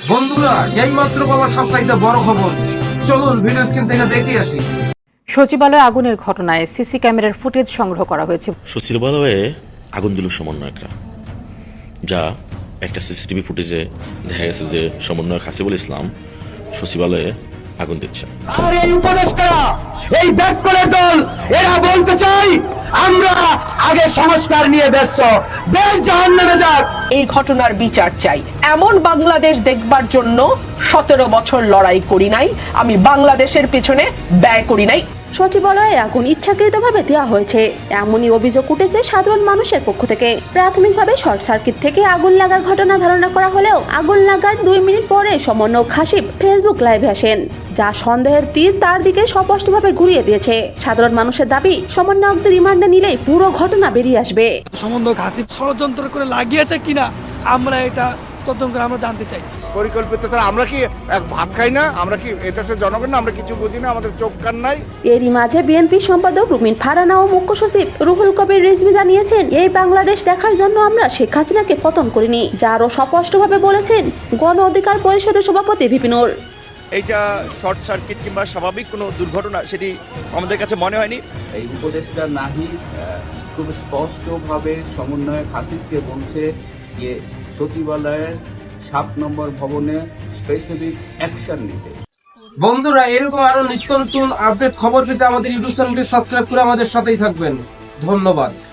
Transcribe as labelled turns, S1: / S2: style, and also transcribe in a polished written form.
S1: বন্ধুরা, এইমাত্র পাওয়া সবচাইতে বড় খবর, চলুন ভিডিও স্ক্রিন থেকে দেখে আসি।
S2: সচিবালয়ে আগুনের ঘটনায় সিসি ক্যামেরার ফুটেজ সংগ্রহ করা হয়েছে।
S3: সচিবালয়ে আগুন দিল সমন্বয়করা, যা একটা সিসিটিভি ফুটেজে দেখা গেছে যে সমন্বয়ক হাসিবুল ইসলাম সচিবালয়ে আগুন দিচ্ছে।
S4: আর এই উপদেষ্টারা, এই ব্যাককলের দল, এরা বলতে চাই আমরা আগে সংস্কার নিয়ে ব্যস্ত, দেশ জাহান্নামে যাক।
S5: এই ঘটনার বিচার চাই। এমন বাংলাদেশ দেখবার জন্য 17 বছর লড়াই করি নাই, আমি বাংলাদেশের পেছনে ব্যয় করি নাই।
S6: সচিবালয়ে আগুন ইচ্ছাকৃতভাবে দেওয়া হয়েছে এমনই অভিযোগ উঠেছে সাধারণ মানুষের পক্ষ থেকে। প্রাথমিকভাবে শর্ট সার্কিট থেকে আগুন লাগার ঘটনা ধারণা করা হলেও আগুন লাগার 2 মিনিট পরে সমন্বয়ক হাসিব ফেসবুক লাইভে আসেন, যা সন্দেহের তীর তার দিকে স্পষ্টভাবে ঘুরিয়ে দিয়েছে। সাধারণ মানুষের দাবি, সমন্বয়কদের রিমান্ডে নিলেই পুরো ঘটনা বেরিয়ে আসবে।
S7: সমন্বয়ক হাসিব ষড়যন্ত্র করে লাগিয়েছে কিনা আমরা এটা তদন্ত করে আমরা জানতে চাই।
S8: পরিকল্পিত ছাড়া আমরা কি ভাত খাই না? আমরা কি এদেশের জনগণ না? আমরা কিছু বুঝি না? আমাদের চোখ কান নাই?
S6: এরই মাঝে বিএনপি সম্পাদক রুমিন ফারহানা ও মুখ্য সচিব রুহুল কবির রিজভী জানিয়েছেন, এই বাংলাদেশ দেখার জন্য আমরা শেখ হাসিনাকে পতন করিনি, যা আরও স্পষ্টভাবে বলেছেন গণ অধিকার পরিষদের সভাপতি ভিপি নূর।
S9: এইটা শর্ট সার্কিট কিংবা স্বাভাবিক কোনো দুর্ঘটনা সেটি আমাদের কাছে মনে হয়নি।
S10: এই উপদেষ্টা নাহি খুব স্পষ্টভাবে সমন্বয়ক হাসিবকে বলছে যে সচিবালয়ের 7 নম্বর ভবনে স্পেসিফিক অ্যাকশন নিতে।
S1: বন্ধুরা, এরকম আরো নিত্য নতুন আপডেট খবর পেতে আমাদের ইউটিউব চ্যানেলটি সাবস্ক্রাইব করে আমাদের সাথেই থাকবেন। ধন্যবাদ।